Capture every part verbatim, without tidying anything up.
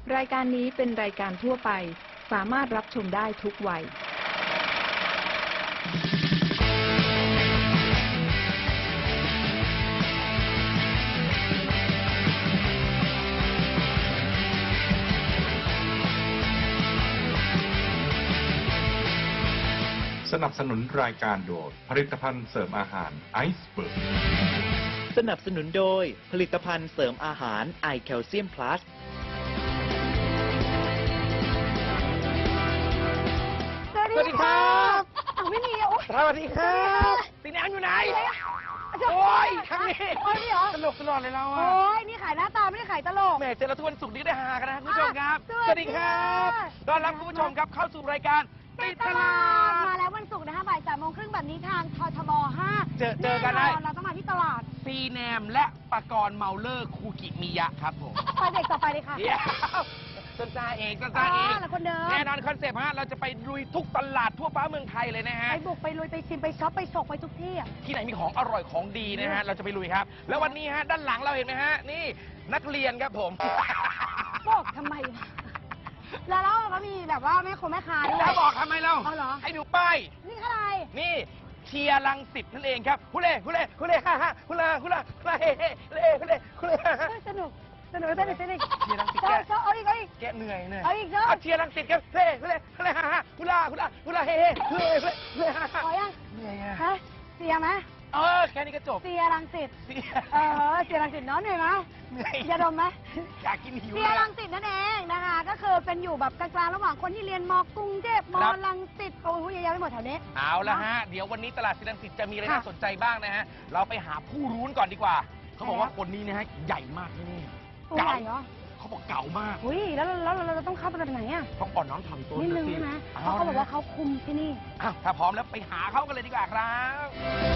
รายการนี้เป็นรายการทั่วไปสามารถรับชมได้ทุกวัยสนับสนุนรายการโดยผลิตภัณฑ์เสริมอาหารไอซ์เบิร์กสนับสนุนโดยผลิตภัณฑ์เสริมอาหารไอแคลเซียมพลัสสวัสดีครับอ้าวไม่มีอ่ะสวัสดีครับตีน้ำอยู่ไหนโอ้ยทางนี้โอ้ยนี่เหรอตลกตลอดเลยเราอ่ะโอ้ยนี่ขายหน้าตาไม่ได้ขายตลกแหมเจอเราทุกวันศุกร์นี้ได้ฮากันนะคุณผู้ชมครับสวัสดีครับต้อนรับคุณผู้ชมครับเข้าสู่รายการติดตลาดมาแล้ววันศุกร์นะคะบ่ายสามโมงครึ่งแบบนี้ทางททบห้าเจอเจอกันได้เราต้องมาที่ตลาดซีแนมและปกรณ์เมาเลอร์คูกิมิยะครับผมไปเด็กต่อไปเลยค่ะต้นตาเองต้นตาเองแน่นอนคอนเซปต์ฮะเราจะไปลุยทุกตลาดทั่วฟ้าเมืองไทยเลยนะฮะไปบุกไปลุยไปชิมไปช็อปไปฉกไปทุกที่อ่ะที่ไหนมีของอร่อยของดีนะฮะเราจะไปลุยครับแล้ววันนี้ฮะด้านหลังเราเห็นไหมฮะนี่นักเรียนครับผมบอกทำไมแล้วเราก็มีแบบว่าแม่คงแม่ค้าด้วยแล้วบอกทำไมเราให้ดูป้ายนี่อะไรนี่เชียร์รังสิตนั่นเองครับฮุเล่ฮุเล่ฮุเล่ฮ่าฮ่าฮุลาฮุลาฮุลาเฮ่เฮ่ฮุเล่ฮุเล่ฮุเล่สนุกสนุกสนุกสนุกเชียร์รังสิตแกเอาอีกเอาอีกแกเหนื่อยเหนื่อยเอาอีกเนาะเชียร์รังสิตครับเฮ่ฮุเล่ฮุเล่ฮ่าฮ่าฮุลาฮุลาฮุลาเฮ่เฮ่ฮุเล่ฮุเล่ฮุเล่ฮ่าฮ่าพอยังเหนื่อยอ่ะฮะเสียไหมเออแค่นี้ก็จบเสียรังสิตเออเสียรังสิตเนาะเหนื่อยไหมเหนื่อยอย่าดมไหมอยากกินหิวเสียรังสิตนั่นเองนะคะก็คือเป็นอยู่แบบกลางๆระหว่างคนที่เรียนมกรุงเทพมรังสิตโอ้โหเยอะแยะไปหมดแถวนี้เอาละฮะเดี๋ยววันนี้ตลาดศรีรังสิตจะมีอะไรน่าสนใจบ้างนะฮะเราไปหาผู้รู้ก่อนดีกว่าเขาบอกว่าคนนี้นะฮะใหญ่มากที่นี่เก่าเหรอเขาบอกเก่ามากอุ้ยแล้วแล้วเราต้องเข้าไปแบบไหนอ่ะต้องอ่อนน้อมถ่อมตัวนิดนึงใช่ไหมเพราะเขาบอกว่าเขาคุมที่นี่อ้าวถ้าพร้อมแล้วไปหาเขากันเลยดีกว่าครับ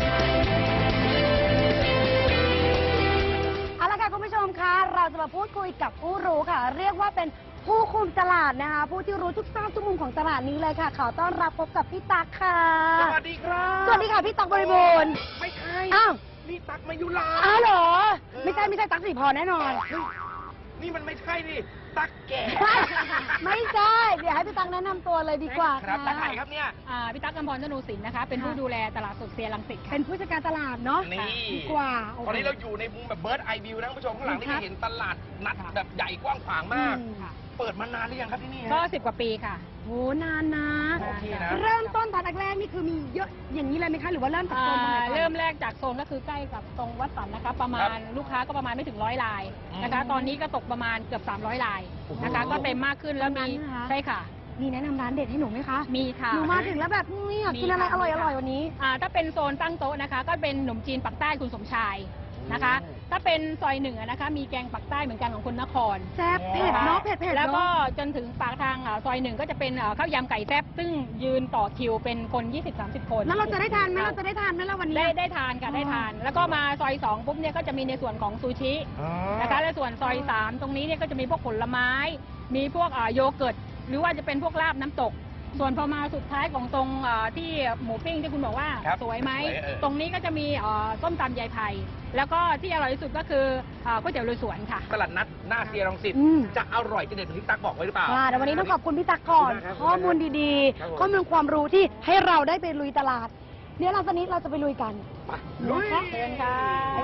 เอาละค่ะคุณผู้ชมคะเราจะมาพูดคุยกับผู้รู้ค่ะเรียกว่าเป็นผู้คุมตลาดนะคะผู้ที่รู้ทุกซอกทุกมุมของตลาดนี้เลยค่ะขอต้อนรับพบกับพี่ตั๊กค่ะสวัสดีครับสวัสดีค่ะพี่ตั๊กบริบูรณ์ไม่ใช่อ้าวนี่ตั๊กมายุราอ้าวเหรอไม่ใช่ไม่ใช่ตั๊กสีพรแน่นอนนี่มันไม่ใช่ดิตั๊กแก่ไม่ใช่เดี๋ยวให้พี่ตั๊กแนะนำตัวเลยดีกว่าครับตั๊กไหนครับเนี่ยพี่ตั๊กกำพร ธนูศิลป์นะคะเป็นผู้ดูแลตลาดสดเซียรังสิตเป็นผู้จัดการตลาดเนาะนี่ดีกว่าตอนนี้เราอยู่ในมุมแบบเบิร์ดไอวิวนะคุณผู้ชมข้างหลังนี่จะเห็นตลาดนัดแบบใหญ่กว้างขวางมากเปิดมานานหรือยังครับที่นี่ก็สิบกว่าปีค่ะโหนานนะเริ่มต้นตอนแรกๆนี่คือมีเยอะอย่างนี้เลยไหมคะหรือว่าเริ่มจากโซนตรงไหนเริ่มแรกจากโซนก็คือใกล้กับตรงวัดสันนะคะประมาณลูกค้าก็ประมาณไม่ถึงร้อยรายนะคะตอนนี้ก็ตกประมาณเกือบสามร้อยรายนะคะก็เต็มมากขึ้นแล้วมีใช่ค่ะมีแนะนำร้านเด็ดให้หนูไหมคะมีค่ะหนูมาถึงแล้วแบบนี่อยากกินอะไรอร่อยอร่อยวันนี้ถ้าเป็นโซนตั้งโต๊ะนะคะก็เป็นขนมจีนปักใต้คุณสมชายนะคะถ้าเป็นซอยหนึ่งนะคะมีแกงปักใต้เหมือนกันของคนนครแซ่บเผ็ดเนาะเผ็ดเผ็ดแล้วก็จนถึงปากทางซอยหนึ่งก็จะเป็นข้าวยำไก่แซ่บซึ่งยืนต่อคิวเป็นคน ยี่สิบสามสิบ คนแล้วเราจะได้ทานไหมเราจะได้ทานไหมล่ะวันนี้ได้ได้ทานค่ะได้ทานแล้วก็มาซอยสองปุ๊บเนี่ยก็จะมีในส่วนของซูชินะคะและส่วนซอยสามตรงนี้เนี่ยก็จะมีพวกผลไม้มีพวกโยเกิร์ตหรือว่าจะเป็นพวกลาบน้ำตกส่วนพอมาสุดท้ายของตรงที่หมูปิ้งที่คุณบอกว่าสวยไหมตรงนี้ก็จะมีต้มตำยายไผ่แล้วก็ที่อร่อยที่สุดก็คือก๋วยเตี๋ยวลุยสวนค่ะตลาดนัดหน้าเซียรังสิตจะอร่อยจะเด็ดที่ตั๊กบอกไว้หรือเปล่าแต่วันนี้ต้องขอบคุณพี่ตั๊กก่อนข้อมูลดีๆข้อมูลความรู้ที่ให้เราได้ไปลุยตลาดเดี๋ยวหลังจากนี้เราจะไปลุยกันลุยเชิญค่ะ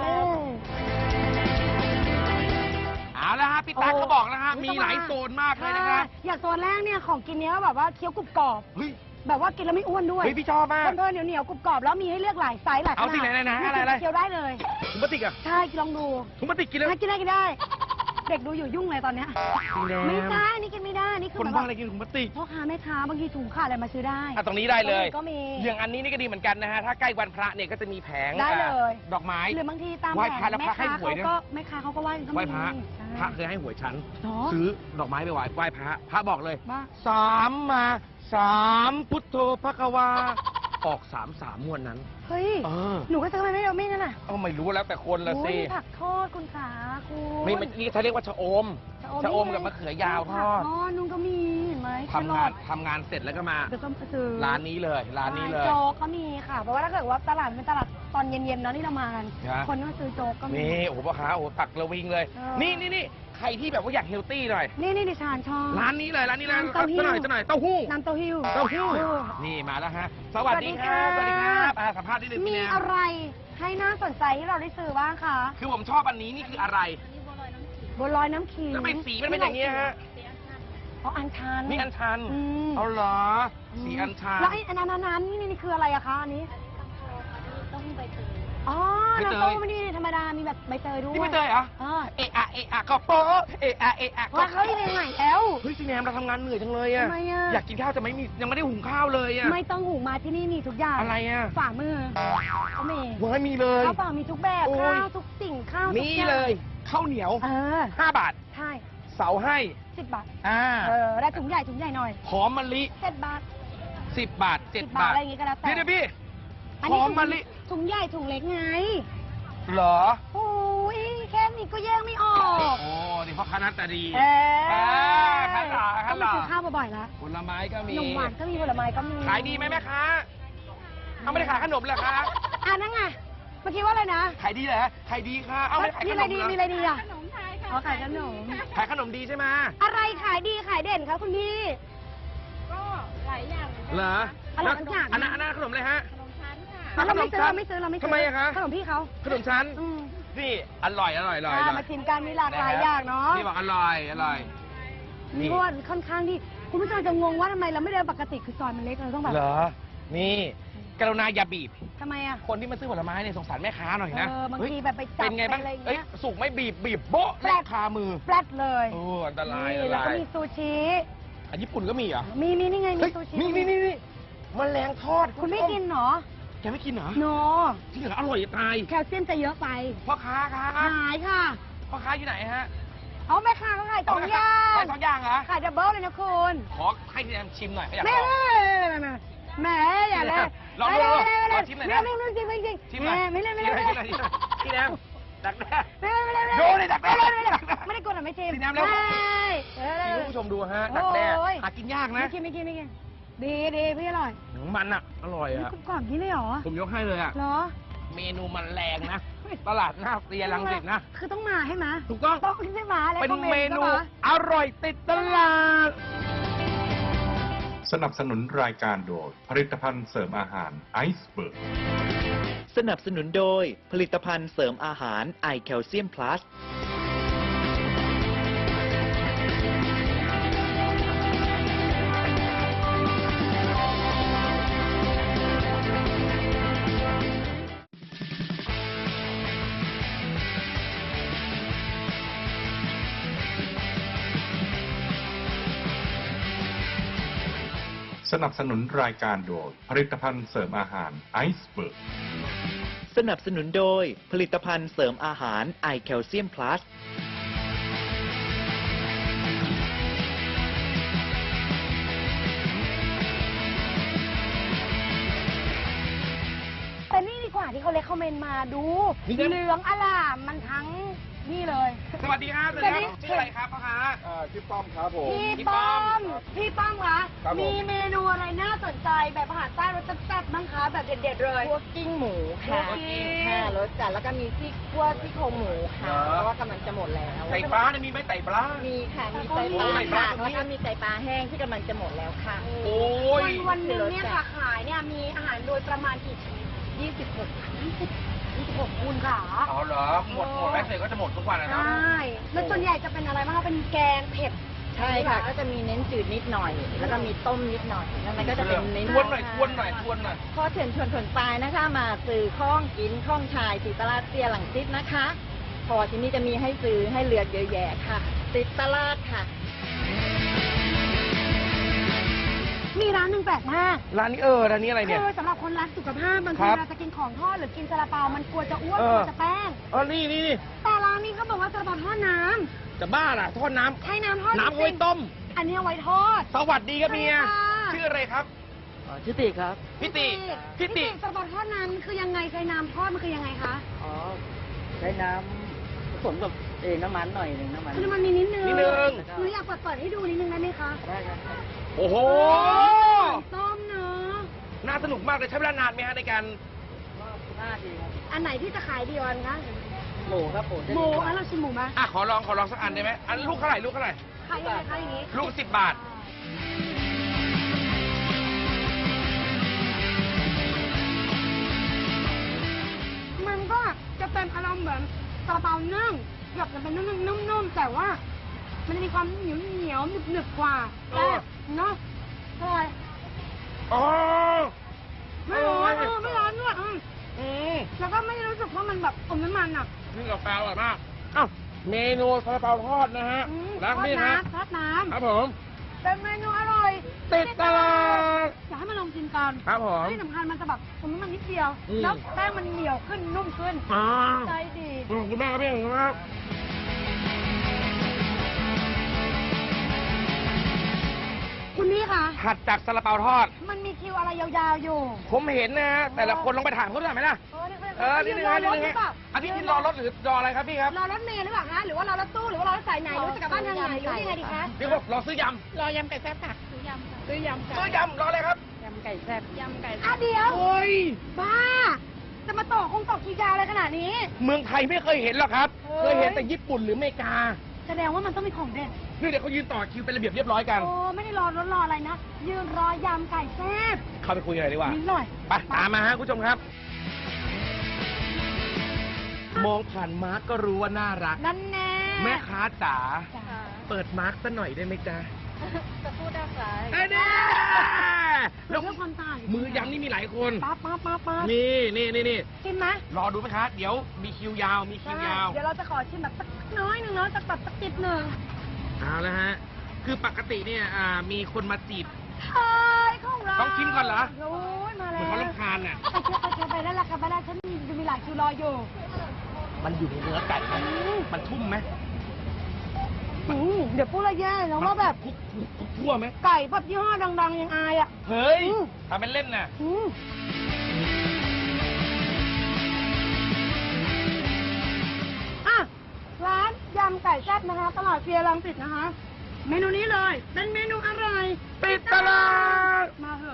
เอาละฮะพี่ตั๊กก็บอกนะฮะมีหลายโซนมากเลยนะครับอย่างโซนแรกเนี่ยของกินเนี้ยแบบว่าเคี้ยวกรุบกรอบแบบว่ากินแล้วไม่อ้วนด้วยเฮ้ยพี่ชอบมากเพลินๆเหนียวเหนียวกรุบกรอบแล้วมีให้เลือกหลายไซส์หลายขนาดเอาสิไหนนะอะไรอะไรเคี้ยวได้เลยถุงพลาสติกอ่ะใช่ลองดูถุงพลาสติกกินแล้วกินได้กินได้เด็กดูอยู่ยุ่งเลยตอนเนี้ยไม่ใช่นี่กินไม่ได้นี่คือคนบ้าอะไรกินถุงพลาสติกพ่อค้าแม่ค้าบางทีถุงขาดอะไรมาซื้อได้อ่ะตรงนี้ได้เลยก็มีอย่างอันนี้นี่ก็ดีเหมือนกันนะฮะถ้าใกล้วันพระเนี่ยก็จะมีแผงได้เลยดอกไม้หรือบางทีตามแผงแม่ค้าเขาก็แม่ค้าเขาก็ไหว้ก็มีไหว้พระพระเคยให้หวยฉันซื้อดอกไม้ไปไหว้ไหว้พระพระบอกเลยสามมาสามพุทโธพระกวาออกสามสามมวนนั้นเฮ้ยหนูก็ซื้อมาไม่เอาไม่นั่นน่ะเออไม่รู้แล้วแต่คนละสิผักทอดคุณขาคุณไม่นี่เขาเรียกว่าชะอมชะอมกับมะเขือยาวทอดอ๋อนุ่งก็มีเห็นไหมทำงานทำงานเสร็จแล้วก็มาร้านนี้เลยร้านนี้เลยโจ๊กก็มีค่ะเพราะว่าถ้าเกิดว่าตลาดเป็นตลาดตอนเย็นๆเนาะที่เรามากันคนก็ซื้อโจ๊กก็มีนี่โอ้โหพ่อค้าโอ้โหตักระวิงเลยนี่นี่นี่ใครที่แบบว่าอยากเฮลตี้หน่อยนี่นี่ดิฉันชอบร้านนี้เลยร้านนี้เลยน้ำเต้าหู้จะหน่อยจะหน่อยเต้าหู้น้ำเต้าหู้เต้าหู้นี่มาแล้วฮะสวัสดีครับสวัสดีครับอ่าสัมภาษณ์นิดนึงมีพี่แนมอะไรให้น่าสนใจที่เราได้ซื้อบ้างคะคือผมชอบอันนี้นี่คืออะไรบัวลอยน้ำขิงแล้วทำไมสีมันเป็นอย่างนี้ฮะอ๋ออัญชันนี่อัญชันอืมเอาเหรอสีอัญชันแล้วไอ้อันนั้นอันนั้นนี่นี่คืออะไรอะคะอันนี้อ๋อใบเตยน้ำเต้าหู้ไม่นี่ธรรมดามีแบบใบเตยด้วยนี่ไม่เตยเหรออ่าเอะอะเอะอะก็โป๊ะเอะอะเอะอะก็ว่าเขาที่ไหนใหม่แล้วเฮ้ยซีแนมเราทำงานเหนื่อยจังเลยอะทำไมอะอยากกินข้าวแต่ไม่มียังไม่ได้หุงข้าวเลยอะไม่ต้องหูมาที่นี่มีทุกอย่างอะไรอะฝ่ามือเขามีว้ายมีเลยข้าวเปล่ามีทุกแบบโอ้ยข้าวทุกสิ่งข้าวทุกนี่อย่างเลยข้าวเหนียวเออห้าบาทใช่เสาให้สิบบาทอ่าเออได้ถุงใหญ่ถุงใหญ่หน่อยหอมมะลิเจ็ดบาทสิบบาทเจ็ดสิบบาทบาทอะไรอย่างงี้ก็แล้วแต่เดี๋ยวๆพี่อันหนี้อมมะลิถุงใหญ่ถุงเล็กไงเหรอโอ้ยแค่นี้ก็แยกไม่ออกโอ้นี่พ่อค้าหน้าตาดีเอเออข้างหลังต้ข้าองงหลัมาง ซื้อข้าวบ่อยๆแล้วผลไม้ก็มีขนมหวานก็มีผลไม้ก็มีขายดีไหมแม่ค้าเอาไม่ได้ขายขนมเหรอคะอ่านั่นไงเมื่อกี้ว่าอะไรนะขายดีเหรอขายดีค่ะเอาไม่ได้ขายมีขอะไรนมดีเหรอมีอะไรดีอ่ะขนมไทยค่ะอ๋อขายขนมขายขนมดีใช่ไหมอะไรขายดีขายเด่นคะคุณพี่ก็หลายอย่างมืนกันเหรออร่อยทุกอย่างอันนั้นอันนั้นขนมเลยฮะขนมชั้นค่ะอ่ะเราไม่ซื้อขนมชั้นเราไม่ซื้อเราไม่ซื้ทำไมอะคะขนมพี่เขาขนมชั้นอืมนี่อร่อยอร่อยอร่อยออ่าร่อยมาชิมกันมีหลากหลายอย่างเนาะนี่บอกอร่อยอร่อย นี่เพราะว่าค่อนข้างที่คุณผู้ชมจะงงว่าทำไมเราไม่เดินปกติคือซอยมันเล็กเราต้องแบบเหรอ นี่กรุณาอย่าบีบทำไมอ่ะคนที่มาซื้อผลไม้เนี่ยสงสารแม่ค้าหน่อยนะเออบางเฮ้ยทีแบบไปจับเป็นไงบ้างไปอะไรอย่างเอ้ยเงี้ยสุกไม่บีบบีบโบ๊ะแปลกคามือแฟลตเลยโอ้อันตรายอันนี่ตแล้วราก็ยมีซูชิอันญี่ปุ่นก็มีเหรอมีมีนี่ไงมีเฮ้ยซูชินี่นี่นี่นี่แมลงทอดคุณไม่กินเหรอแกไม่กินเหรอโนจริงเหรออร่อยจะตายแคลเซียมจะเยอะไปพ่อค้าครับหายค่ะพ่อค้าอยู่ไหนฮะเอาแม่ค้าเขาขายสองอย่างขายสองอย่างเหรอขายดับเบิลเลยนะคุณขอให้พี่แอมชิมหน่อยเขาอยากไม่ลองไม่ไม่แหมอย่าเลยลองดูไม่ไม่ลไม่องชิมหน่อยนะไม่ไม่ไม่จริงไม่จริงชิมหน่อยไม่เล่นไม่ชิเล่มนหน่ไม่อยเล่นชิมหน่อยชิมหน่อยพี่แอมดักแด้ไม่ไม่ไม่โยนเลยดักแด้ไม่ได้กดหรอไม่ชิมสีน้ำแล้วไม่เออคุณผู้ชมดูฮะดักแด้โอ้ยหากินยากนะไม่กินไม่กินไม่กินดีดีพี่อร่อยมันอ่ะ อร่อยนี่อ่ะกรอบๆนี่เลยเหรอผมยกให้เลยอ่ะเหรอเมนูมันแรงนะ ตลาดหน้าเซียรังสิตนะคือต้องมาให้มาถูกต้องต้องไม่มาเลยเป็นต้องเมนูก็าอร่อยติดตลาดสนับสนุนรายการโดยผลิตภัณฑ์เสริมอาหารไอซ์เบิร์กสนับสนุนโดยผลิตภัณฑ์เสริมอาหารไอแคลเซียมพลัสสนับสนุนรายการโดยผลิตภัณฑ์เสริมอาหารไอซ์เบิร์กสนับสนุนโดยผลิตภัณฑ์เสริมอาหารไอแคลเซียมพลัสแต่นี่ดีกว่าที่เขาเลคคอมเมนต์มาดูนี่นะเหลืองอลามมันทั้งนี่เลยสวัสดีครับสวัสดีครับสวัสดีชื่ออะไรครับพ่อค้าชื่อป้อมครับผมพี่พี่ป้ป้ออมมพี่ป้อมคะครับผมมีเมนูอะไรน่าสนใจแบบอาหารใต้รสแซ่บๆบ้างคะแบบเด็ดๆเลยพวกกิ้งหมูค่ะพวกกิ้งค่ะรสจัดแล้วก็มีที่คั่วที่โครงหมูค่ะเพราะว่ากำลังจะหมดแล้วไก่ปลาเนี่ยมีไหมไก่ปลามีค่ะ มีไก่ปลาโอ้ยค่ะไก่ปลาแล้วก็มีไก่ปลาแห้งที่กำลังจะหมดแล้วค่ะโอ้ยวันวันหนึงเนี่ยค่ะขายเนี่ยมีอาหารโดยประมาณกี่ชิ้นยี่สิบหกยี่สิบยี่สิบหกคูณค่ะเอาเหรอ หมดหมดแม็กซ์เลยก็จะหมดทุกวันนะใชเนาะ่แล้วส่วนใหญ่จะเป็นอะไรบ้างคะเป็นแกงเผ็ดใช่ค่ะ ก็จะมีเน้นจืดนิดหน่อย แล้วก็มีต้มนิดหน่อยแล้วมันก็จะเป็นเน้นทวนหน่อยทวนหน่อยทวนหน่อยข้อเชิญชวนผลปลายนะคะ มาซื้อข้องกินข้องชายสีตลาดเสียหลังซิดนะคะพอที่นี่จะมีให้ซื้อให้เลือกเยอะแยะค่ะติดตลาดค่ะมีร้านหนึ่งแปลกมากร้านนี้เออ ร้านนี้อะไรเนี่ยคือสำหรับคนรักสุขภาพบางคทีรับเราจะกินของทอดหรือกินซาลาเปา มันกลัวจะอ้วนเอก อลัวจะแป้งอ๋อนี่นี่นี่แต่ร้านนี้เขาบอกว่าซาลาเปาทอดน้ำจะบ้าล่ะทอดน้ำใช้น้ำทอดน้ำจเอาริไว้งๆต้มอันนี้เอาไว้ทอดสวัสดีครับเมียใช่ค่ะชื่ออะไรครับชื่อติครับพี่ติพี่ติซาลาเปาทอดน้ำคือยังไงใช้น้ำทอดมันคือยังไงคะอ๋อ ใช้น้ำผสมกับเอน้ำมันหน่อยหนึ่งน้ำมันคือน้ำมันมีนิดนึงนิดนึงหนูอยากเปิดเปิดให้ดูนิดนึงได้ไหมคะได้ครับโอ้โหต้มเนาะน่าสนุกมากเลยใช้เวลานานไหมฮะในการหน้าดีครับอันไหนที่จะขายดีกวันคะหมูครับหมูหมูงั้นเราชิมหมูไหมอ่ะขอลองขอลองสักอันได้ไหมอันลูกเท่าไหร่ลูกเท่าไหร่ขายยังไงคะอย่างนี้ลูกสิบบาทมันก็จะเป็นอารมณ์เหมือนซาลาเปานึ่งเกือบจะเป็นนึ่งๆนุ่มๆแต่ว่า มันจะมีความเหนียวเหนียวๆหนึบๆกว่าเอแต่อเนาะอร่อยอ๋อไม่ร้อนเออไม่ร้อนด้วยอืมอืมแล้วก็ไม่รู้สึกว่ามันแบบอมน้ำมันอ่ะนี่กาแฟอร่อยมากอ้าวเมนูซาลาเปาทอดนะฮะอืมแล้วนี่ทอฮะดน้ำทอดน้ครับผมำเป็นเมนูอร่อยติดตลาดอยากให้มาลองกินกันครับผมที่สำคัญมันจะแบบอมน้ำมันนิดเดียวอืมแล้วแป้งมันเหนียวขึ้นนุ่มขึ้นอ่าใจดีขอบคุณมากครับพี่ขอบคุณมากคุณพี่คะถัดจากซาลาเปาทอดมันมีคิวอะไรยาวๆอยู่ผมเห็นนะฮะแต่ละคนลองไปถามเขาด้วยไหมล่ะ เออนี่นึงฮะนี่นึงฮะอันนี้ที่รอรถหรือรออะไรครับพี่ครับรอรถเมล์หรือเปล่าคะหรือว่ารอรถตู้หรือว่ารอรถสายไหนหรือว่าจะกลับบ้านทางไหนหรือว่ายังไงดีคะพี่บอกรอซื้อยรอยำไก่แซ่บค่ะซื้อยำค่ะซื้อยำำค่ะซื้อยำรออะไรครับยำไก่แซ่บยำไก่อ่ะเดี๋ยวโอ้ยบ้า จะมาต่อคงต่อคิวยาวอะไรขนาดนี้เมืองไทยไม่เคยเห็นหรอกครับเฮ้เคยยเห็นแต่ญี่ปุ่นหรืออเมริกาแสดงว่ามันต้องมีของเด็ดนี่เดี๋ยวเขายืนต่อคิวเป็นระเบียบเรียบร้อยกันโอ้ไม่ได้รอรถรออะไรนะ ยืนรอยำไก่แซ่บเข้าไปคุยกันหน่อยดีกว่านิดหน่อยไปตามมาฮะคุณผู้ชมครับ มองผ่านมาร์กก็รู้ว่าน่ารักนั่นแน่แม่ค้าจ๋าจ้าเปิดมาร์กสักหน่อยได้ไหมจ๊ะจะพูดได้ไหมเอ้ยเนี่ยเรื่องความตายมือยำนี่มีหลายคนป๊าป๊าป๊าป๊านี่นี่นี่นี่กินไหมรอดูไหมคะ เดี๋ยวมีคิวยาว มีคิวยาวเดี๋ยวเราจะขอชิมแบบสักน้อยหนึ่งเนาะสักแบบสักจิบหนึ่งเอาละฮะ คือปกติเนี่ยอ่ามีคนมาจีบเฮ้ยของเราต้องชิมก่อนเหรอโอ้ยมาเหแล้วมือนเขาลำคาญน่ะไปเชื่อไปเชื่อไปได้ละกันไปได้ฉันมีมีหลายคิวรออยู่มันอยู่ในเนื้อไก่ไหมมันทุ่มไหมอืมเดี๋ยวพูดอะไรแย่นะว่าแบบคุกคุกคุกทั่วไหมไก่แบบยี่ห้อดังๆยังอายอ่ะเฮ้ยอืมทำเป็นเล่นน่ะอืมอ่ะร้านยำไก่แซ่บนะคะ ตลาดเฟียรังสิตนะคะ เมนูนี้เลย เป็นเมนูอะไรติดตลาดมาเถอะ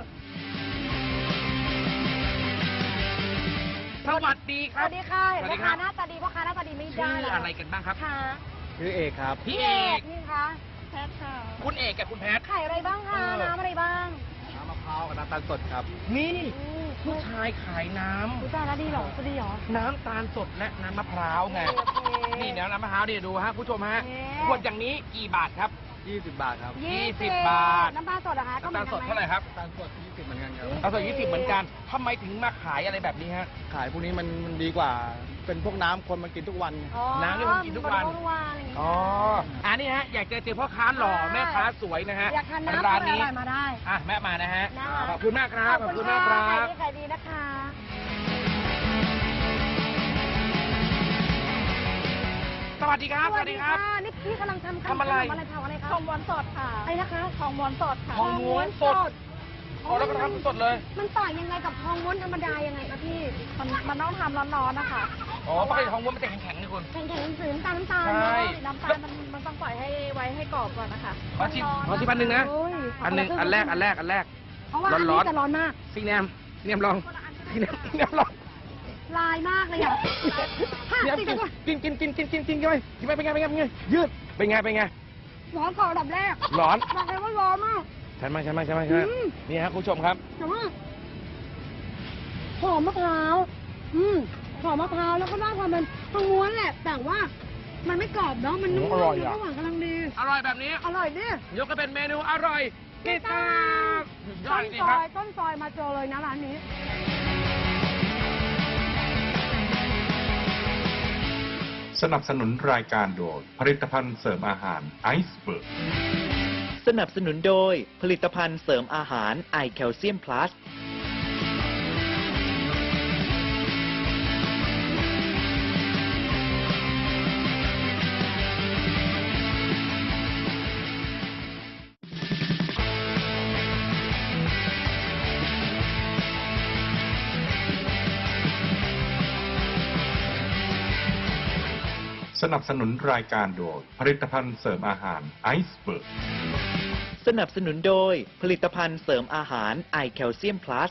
สวัสดีคสรับวัสดีค่ะสวัสแม่ดีคค้ารับหน้าตาดีพ่อค้าหน้าตาดีไม่ชื่ได้อเลยอะไรกันบ้างครับค่ะชื่อเอกครับพี่เอกนี่คะแซ่บค่ะคุณเอกกับคุณแพทไข่อะไรบ้างคะเออน้ำอะไรบ้างน้ำมะพร้าวกับน้ำตาลสดครับนี่อืมผู้ชายขายน้ำรู้จักแล้วดีเหรอจะดีเหรอน้ำตาลสดและน้ำมะพร้าวไงโอเคนี่เดี๋ยวน้ำมะพร้าวนี่ดูฮะคุณผู้ชมฮะเย้ขวดอย่างนี้กี่บาทครับยี่สิบบาทครับยี่สิบบาทน้ำตาลสดเหรอคะก็น้ำตาลสดเท่าไหร่ครับน้ำตาลสดยี่สิบเหมือนกันครับน้ำตาลสดยี่สิบเหมือนกันทำไมถึงมาขายอะไรแบบนี้ฮะขายพวกนี้มันมันดีกว่า เป็นพวกน้ำคนมากินทุกวันอ๋อน้ำที่ผมกินทุกวันทุกวันอย่างงี้อ๋อ อันนี้ฮะ อยากจะเจอพ่อค้าหล่อแม่ค้าสวยนะฮะอยากทานน้ำร้านอนี้ร่อยๆมาได้อ่ะแม่มานะฮะนะคะขอบคุณมากครับ ขอบคุณมากคขรัอบบณขายดีนะคะสวัสดีครับ สวัสดีครับนี่พี่กำลังทำทำอะไรขนมอะไรเผาอะไรคะทองม้วนสดค่ะอะไรนะคะทองม้วนสดค่ะทองม้วนสดอ๋อแล้วก็ทำสดเลยมันต่างยังไงกับทองม้วนธรรมดายังไงคะพี่มันมันต้องทำร้อนๆนะคะอ๋อปกติทองม้วนมันจะแข็งๆนี่คุณแข็งๆสีน้ำตาลน้ำตาลใช่น้ำตาลมันมันต้องปล่อยให้ไว้ให้กรอบก่อนนะคะขอชิมขอชิมอันหนึ่งนะโอ้ยอันหนึ่งอันแรก อันแรก อันแรกเพราะว่าอันร้นี้อนๆจะร้อนมากพี่แนมพี่แนมลองพี่แนมพี่แนมลองลายมากเลยอ่ะห้าพี่แนมสิบกินกว่ากินกินกินกินกินกินกินไปกินไปเป็นไงเป็นไงเป็นไงยืดเป็นไงเป็นไงร้อนก่อนอันดับแรกร้อนบอกเลยว่าร้อนมากใช่ไหมใช่ไหมใช่ไหมใช่ไหมอืมนี่ฮะคุณผู้ชมครับแต่ว่าหอมมะพร้าว อืมหอมมะพร้าวแล้วก็ได้ความเป็นทองม้วนแหละ แต่ว่ามันไม่กรอบเนาะ มันนุ่มอร่อยๆอะแล้วก็หวานกำลังดีอร่อยแบบนี้อร่อยดิยกก็เป็นเมนูอร่อยติดตามยอต้ดนจริงซคอรับยต้นซอยมาเจอเลยนะร้านนี้สนับสนุนรายการโดยผลิตภัณฑ์เสริมอาหารไอซ์เบิร์กสนับสนุนโดยผลิตภัณฑ์เสริมอาหารไอแคลเซียมพลัสสนับสนุนรายการโดยผลิตภัณฑ์เสริมอาหารไอซ์เบิร์กสนับสนุนโดยผลิตภัณฑ์เสริมอาหารไอแคลเซียมพลัส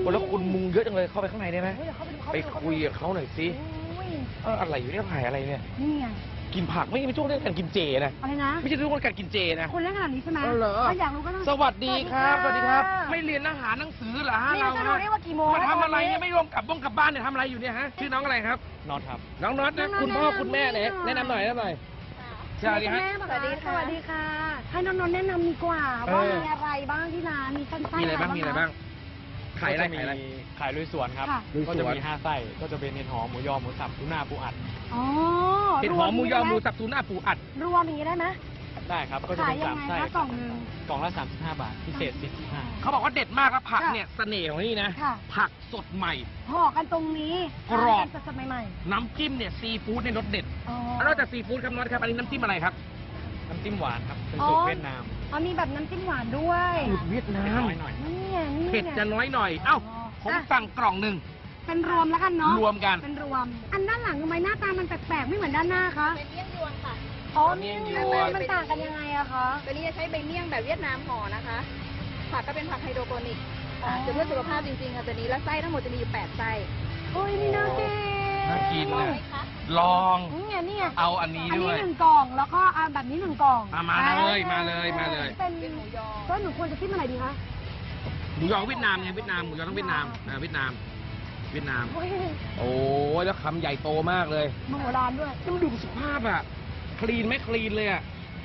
โอ้แล้วคุณมุงเยอะจังเลยเข้าไปข้างในได้ไหมเฮ้ยเดี๋ยวเข้าไปดูเข้าไปดูคุยกับเขาหน่อยสิอุ้ยเอออะไรอยู่เนี่ยถ่ายอะไรเนี่ยนี่ไงกินผักไม่ไม่ช่วงเรื่องการกินเจนะอะไรนะไม่ใช่เรื่องการกินเจนะคนเล่นขนาดนี้ใช่ไหมเออเหรอถ้าอยากรู้ก็ต้องสวัสดีครับ สสวัวัสสดีดีคครัรับบไม่เรียนอาหารหนังสือเหรอฮะนี่เราจะรู้ได้ว่ากี่โมงมาทำอะไรเนี่ยตไม่รวมกลับบ้งกลับบ้านเนี่ยทำอะไรอยู่เนี่ยฮะชื่อน้องอะไรครับน็อตครับน้องน็อตนะคุณพ่อคุณแม่เนี่ยแนะนำหน่อยแนะนำหน่อยสวัสดีฮะสวัสดีค่ะสวัสดีค่ะ ให้น้องๆแนะนำดีกว่าเออว่ามีอะไรบ้างที่ร้านมีสั้นๆมีอะไรบ้างมีอะไรบ้างขายอะไรก็จขายอะไรมีขายลุยสวนครับค่ะลุยสวนก็จะมีห้าไส้ ก็จะเป็นเห็ดหอมหมูยอหมูสับทูน่าปูอัดอ๋อเห็ดหอมหมูยอหมูสับทูน่าปูอัดรวมอย่างนี้ได้ไหมได้ครับ ก็จะขายเป็นยัสาง มไงไส้คะกล่องหนึ่งกล่องละสามสิบห้าบาท พิเศษสี่สิบห้าเขาบอกว่าเด็ดมากครับผักค่ะเนี่ยเสน่ห์ของนี่นะค่ะผักสดใหม่ห่อกันตรงนี้กรอบทานกันสดๆใหม่น้ำจิ้มเนี่ยซีฟู้ดในรสเด็ดๆอ๋อแล้วนอกจากซีฟู้ดครับน็อตครับอันนี้น้ำจิ้มอะไรครับน้ำจิ้มหวานครับ เป็นอ๋อสูตรเวียดนามอ๋อมีแบบน้ำจิ้มหวานด้วยสูตรเวียดนาเผ็ดมน้อยหน่อยนี่ไงนี่ไงเผ็ดจะน้อยหน่อย เอ้า ผมอ่ะสั่งกล่องหนึ่งเป็นรวมแล้วกันเนาะรวมกันเป็นรวม อันด้านหลังทำไมหน้าตามันแปลกๆไม่เหมือนด้านหน้าคะเป็นเมี่ยงยวนค่ะอ๋อเมี่เมี่ยยงงยยวนวนมันต่างกันยังไงอะคะตัวนี้จะใช้ใบเมี่ยงแบบเวียดนามห่อนะคะ ผักก็เป็นผักไฮโดรโปนิกอ่าจะเพื่อสุขภาพจริงๆค่ะตัวนี้ แล้วไส้ทั้งหมดจะมีอยู่แปดไส้โอ้ยนี่น่ากินน่ากินลองนะไหมคะลองนี่ไงนี่ไงเอาอันนี้อันด้นี้วยหนึ่งกล่องแล้วก็เอาแบบนี้หนึ่งกล่องอ่ะมาเลยมาเลยมาเลยเป็นเป็นหมูยอก็หนูควรจะจิ้มอะไรดีคะหมูยอเวียดนามไงเวียดนามหมูยอต้องเวียดนามอ่าเวียดนาม เวียดนามโอ้ยโอ้ยแล้วคำใหญ่โตมากเลยมโหฬารด้วยแล้วมันดูสุภาพอ่ะ คลีนไหมคลีนเลยอ่ะ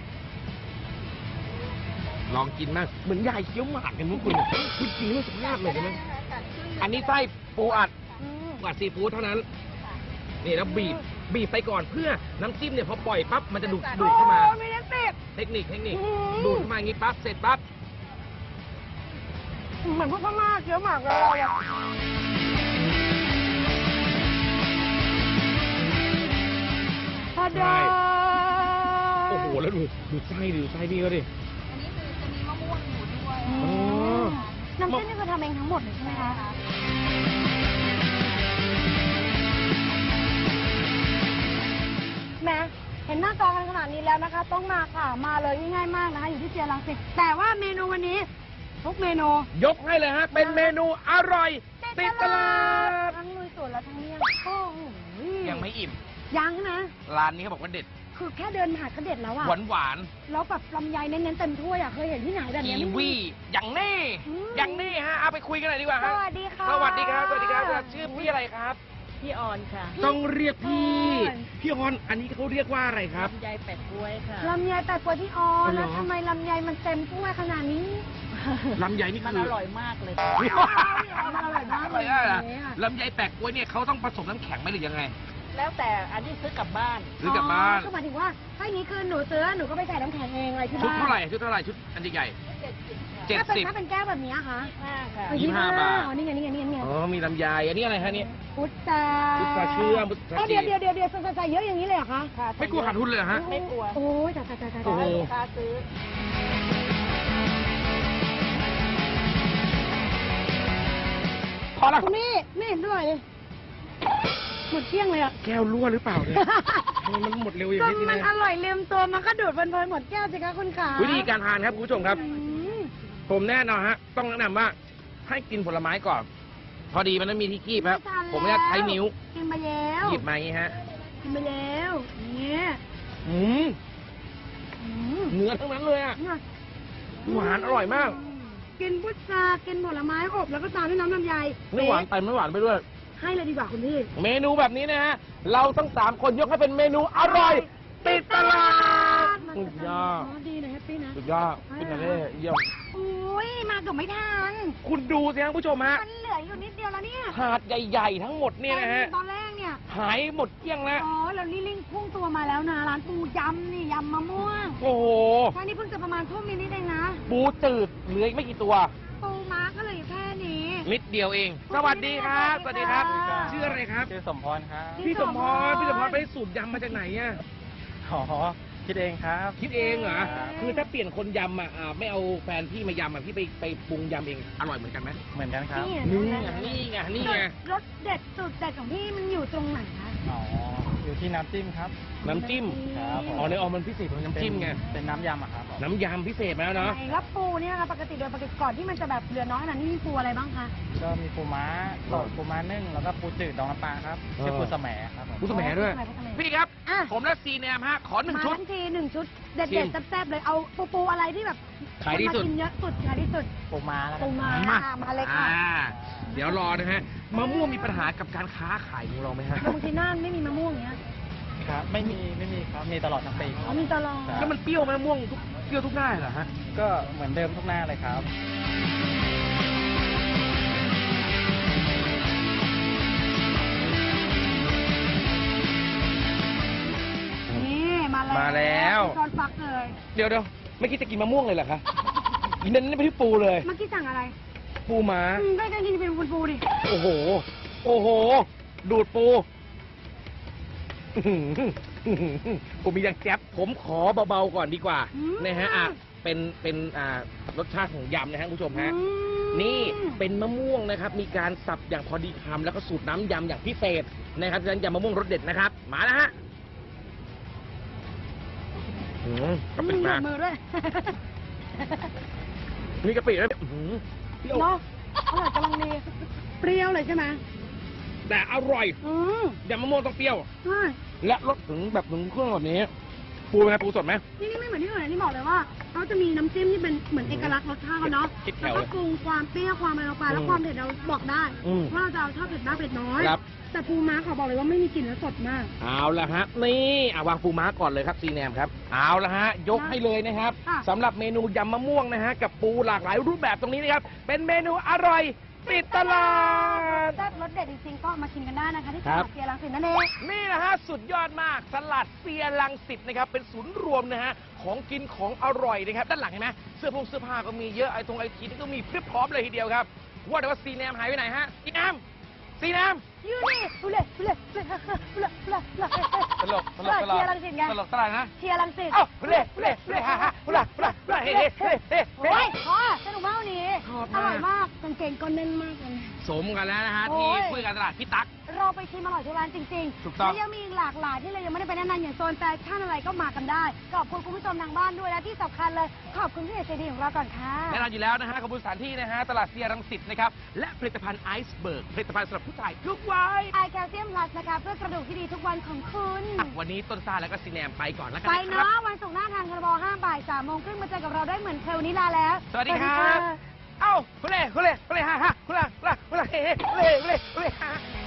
ลองกินมาก เหมือนยายเคี้ยวหมากกันมุกคุณเนี่ยคุณกินแล้วสุภาพเลยใช่ไหมอันนี้ไส้ปูอัดอืมปูอัดซีฟู้ดเท่านั้น นี่แล้วบีบ บีบไปก่อนเพื่อน้ำจิ้มเนี่ยพอปล่อยปั๊บมันจะดูดดูดเข้ามาโอ้ยไม่ได้เสพเทคนิคเทคนิคอืมดูดเข้ามาอย่างนี้ปั๊บเสร็จปั๊บเหมือนพวกพม่าเคี้ยวหมากเลยอะพอดาโอ้โหแล้วดูดูไส้ดิดูไส้พี่เขาดิอันนี้คือจะมีมะม่วงอยู่ด้วยอือ๋อมน้ำจิ้มนี่คือทำเองทั้งหมดเลยใช่ไหมคะแหม่เห็นหน้าจอกันขนาดนี้แล้วนะคะ ต้องมาค่ะ มาเลยง่ายๆมากนะคะ อยู่ที่เซียรังสิตแต่ว่าเมนูวันนี้ ทุกเมนูยกให้เลยฮะ เป็นเมนูอร่อยติดตลาดทั้งลุยสวนและทั้งเมี่ยงโอ้โหยังไม่อิ่มยังนะร้านนี้เขาบอกว่าเด็ดคือแค่เดินผ่านก็เด็ดแล้วอะหวานหวานแล้วแบบลำไยเน้นๆเต็มถ้วยอะเคยเห็นที่ไหนแบบกีเนี้ยไม่มีวีอย่างนี้อืมอย่างนี้ฮะ เอาไปคุยกันหน่อยดีกว่าสฮะวัสดีค่ะสวัสดีครับ สวัสดีครับ ชื่อพี่อะไรครับพี่ออนค่ะต้องเรียกพี่ออนพี่ฮอน อันนี้เขาเรียกว่าอะไรครับยายแปดกล้วยค่ะลำไยแต่กว่าที่อออ๋อเหรอแล้วทำไมลำไยมันเต็มถ้วยขนาดนี้ลำไยนี่มันคืออร่อยมากเลยมันอร่อยมากเลยอร่อยอะเนี่ยค่ะลำไยแปะกล้วยเนี่ยเขาต้องผสมน้ำแข็งไหมหรือยังไงแล้วแต่อันที่ซื้อกลับบ้านหรือกลับบ้านก็หมายถึงว่าถ้าอย่างนี้คือหนูซื้อหนูก็ไปใส่น้ำแข็งเองอะไรที่ชุดบ้านเท่าไหร่ ชุดเท่าไหร่ ชุดอันใหญ่เจ็ดสิบค่ะเจ็ดถ้าเป็นสิบถ้าเป็นแก้วแบบนี้คะห้าค่ะเออยี่สิบห้าบาทอ๋อนี่ไงนี่ไงนี่ไงนี่ไงอ๋อ มีลำไย อันนี้อะไรฮะเนี่ยพุทธาพุทธาเชื่อมพุทธาเอ้าจีเดี๋ยวเดี๋ยวเดี๋ยวเดี๋ยวใส่เยอะอย่างนี้เลยเหรอคะค่ะไม่กลัวขาดทุนเลยเหรอฮะไม่กลัวโอ้ยจ่ายจ่ายจ่ายจ่ายโอ้โหลูกค้าซื้อพอแล้วคุณนี่ไม่เห็นด้วยเลยหมดเที่ยงเลยอะแก้วรั่วหรือเปล่าเนี่ยทำไมมันหมดเร็วอย่างก็นี้มันเนี่ยอร่อยลืมตัวมันก็ดูดเพลินๆหมดแก้วสิคะคุณขาวิธีการทานครับคุณผู้ชมครับอืมผมแน่นอนฮะ ต้องแนะนำว่าให้กินผลไม้ก่อน พอดีมันไม่มีที่คีบครับ ผมไม่ได้ใช้นิ้วกินมาแล้วหยิบมาอย่างนี้ฮะกินมาแล้วเนี่ยอืมอืมเนื้อทั้งนั้นเลยอ่ะเนี่ยหวานอร่อยมากกินพุทรากินผลไม้อบแล้วก็ตามด้วยน้ำลำไยไม่หวานไปไม่หวานไปด้วยให้เลยดีกว่าคุณพี่เมนูแบบนี้นะฮะ เราทั้งสามคนยกให้เป็นเมนูอร่อย ติดตลาดมันสุจะดยอดอ๋อดีนะแฮปปี้นะสุดยอดเป็นอะไรเยี่ยมอุ้ยมาเกือบไม่ทันคุณดูสิครับผู้ชมฮะมันเหลืออยู่นิดเดียวแล้วเนี่ยถาดใหญ่ๆทั้งหมดเนี่ยนะฮะตอนแรกเนี่ยหายหมดเกลี้ยงแล้วอ๋อแล้วนี่ลิงพุ่งตัวมาแล้วนะร้านปูยำนี่ยำมะม่วงโอ้โหแค่นี้เพิ่งจะประมาณทุ่มนิดๆเองนะปูจืดเหลืออีกไม่กี่ตัวปูม้าก็เลยแค่นี้นิดเดียวเอง สวัสดีครับ สวัสดีครับสวัสดีค่ะชื่ออะไรครับชื่อสมพรครับพี่สมพร พี่สมพรไปสูตรยำมาจากไหนอ่ะอ๋อ คิดเองครับคิดเองเหรอครับคือถ้าเปลี่ยนคนยำอ่ะอ่าไม่เอาแฟนพี่มายำอ่ะพี่ไปไปปรุงยำเอง อร่อยเหมือนกันไหมเหมือนกันครับนี่นี่ไงไงนี่ไงนี่ไงรสเด็ดสุดเด็ดของพี่มันอยู่ตรงไหนนะอ๋ออยู่ที่น้ำจิ้มครับน้ำจิ้มครับผมอ๋อในออมมันพิเศษของน้ำจิ้มไงเป็นน้ำยำอะครับผมน้ำยำพิเศษมาแล้วเนาะไหนแล้วปูเนี่ยนะคะปกติโดยปกติก่อนที่มันจะแบบเหลือน้อยขนาดนี้มีปูอะไรบ้างคะก็มีปูม้าสดปูม้านึ่งแล้วก็ปูจืดดองน้ำปลาครับชื่อปูสะแหมครับผมผู้สมัยด้วยปูสะแหมพี่ครับอ่ะผมและซีแนมฮะ ขอหนึ่งมาชุดทั้งทีหนึ่งชุดเด็ชิดมๆแซ่บๆเลยเอาปูปูอะไรที่แบบขายที่สุดคนมกินเยอะสุดขายที่สุดปูม้าแล้วกัปูนม้ามาค่ะมาเลยค่ะอ่าเดี๋ยวรอนะฮะมะม่วงมีปัญหากับการค้าขายของเราไหมฮะบางทีน่านไม่มีมะม่วงเนี้ยครับไม่มีไม่มีครับมีตลอดทั้งปีคอ๋รัอบ มีตลอดครับแล้วมันเปรี้ยวไหมมะม่วงทุกเปรี้ยวทุกหน้าเหรอฮะก็เหมือนเดิมทุกหน้าเลยครับนี่มาแล้วมาแล้วช้อนฟักเลยเดี๋ยวเดี๋ยวไม่คิดจะกินมะม่วงเลยเหรอคะเน้นไปที่ปูเลยเมื่อกี้สั่งอะไรปูม้าอืมได้กันกินเป็นปูปูดิโอ้โห โอ้โห ดูดปูอื้อหืออื้อหือผมมีอย่างแจ๊บผมขอเบาๆก่อนดีกว่าอืมนะฮะอ่ะเป็นเป็นอ่ารสชาติของยำนะฮะคุณผู้ชมฮะอืมนี่เป็นมะม่วงนะครับ มีการสับอย่างพอดีคำแล้วก็สูตรน้ำยำอย่างพิเศษนะครับฉะนั้นยำมะม่วงรสเด็ดนะครับ มาแล้วฮะอืมกะปิมีหยมาดมือด้วยมีกะปิด้วยอื้อหือเปรี้ยวเนาะอร่อยกำลังดีเปรี้ยวเลยใช่ไหมแต่อร่อยอืมยำมะม่วงต้องเปรี้ยวใช่และรสถึงแบบถึงเครื่องแบบนี้ ปูเป็นไงปูสดไหมนี่นี่ไม่เหมือนที่อื่นนะนี่บอกเลยว่าเขาจะมีน้ำจิ้มที่เป็นเหมือนเอกลักษณ์รสชาติเขาเนาะคิดแถแล้ววก็เลยปรุงความเปรี้ยวความอะไรลงไปแล้วอืมความเผ็ดเราบอกได้อืมว่าเราจะเอาชอบเผ็ดมากเผ็ดน้อยครับแต่ปูม้าขอบอกเลยว่าไม่มีกลิ่นและสดมากเอาละฮะนี่อ่ะวางปูม้าก่อนเลยครับซีแนมครับเอาละฮะยกให้เลยนะครับค่ะสำหรับเมนูยำมะม่วงนะฮะกับปูหลากหลายรูปแบบตรงนี้นะครับเป็นเมนูอร่อยติดตลาดแซ่บรสเด็ดจริงๆก็มาชิมกันได้นะคะที่ตครัลาบดเซียรังสิตนั่นเองนี่นะฮะสุดยอดมากสลัดเซียรังสิตนะครับเป็นศูนย์รวมนะฮะของกินของอร่อยนะครับด้านหลังเห็นไหมเสื้อผงเสื้อผ้าก็มีเยอะไอ้ตรงไอทีนี่ก็มีพรึบพร้อมเลยทีเดียวครับว่าแต่ว่าซีแนมหายไปไหนฮะซีแนมซีแนมยูนี่ดูเลยดูเลยดูเลยดูเลยดูเลยดูเลยตลกตลกตลกเชียร์รังสิตไงตลกตลกนะเชียร์รังสิตเอ้าเล่เล่เล่ฮ่าฮ่าฮุลาฮุลาฮุลาเฮ้เฮ้เฮ้เฮ้โอ้ยพอสนุกมากวันนี้ชอบอมากร่อยมากกางเกงก็แน่นมากเลยสมกันแล้วนะฮะโอ้ที่ยคุยกันตลาดพี่ตั๊กเราไปชิมอร่อยทุกร้านจริงๆถูกต้องและยังมีอีกหลากหลายที่เรายังไม่ได้ไปแนะนำอย่างโซนแฟชั่นอะไรก็มากันได้ ขอบคุณคุณผู้ชมทางบ้านด้วยและที่สำคัญเลย ขอบคุณพี่เอกใจดีของเราก่อนค่ะแน่นอนอยู่แล้วนะฮะขอบคุณสถานที่นะฮะตลาดเซียรังสิตนะครับและผลิตภัณฑ์ไอซ์เบิร์กผลิตภัณฑ์สำหรับผู้ชายทุกวัยไอแคลเซียมพลัสนะคะเพื่อกระดูกที่ดีทุกวันของคุณอ่ะวันนี้ต้นซ่าแล้วก็ซีแนมไปก่อนแล้วกันไปนะครัเนาะบวันศุกร์หน้าทางคาราบอห้าบ่ายสามโมงครึ่งมาเจอกับเราได้เหมือนเคยวันนี้ลาแล้วสวัสดีครับ เอ้าฮุเล่ฮุเล่ฮุเล่ฮ่าฮ่าฮุลาฮุลาฮุลาเฮ้เฮ้ฮุเล่ฮุเล่ฮุเล่ฮ่า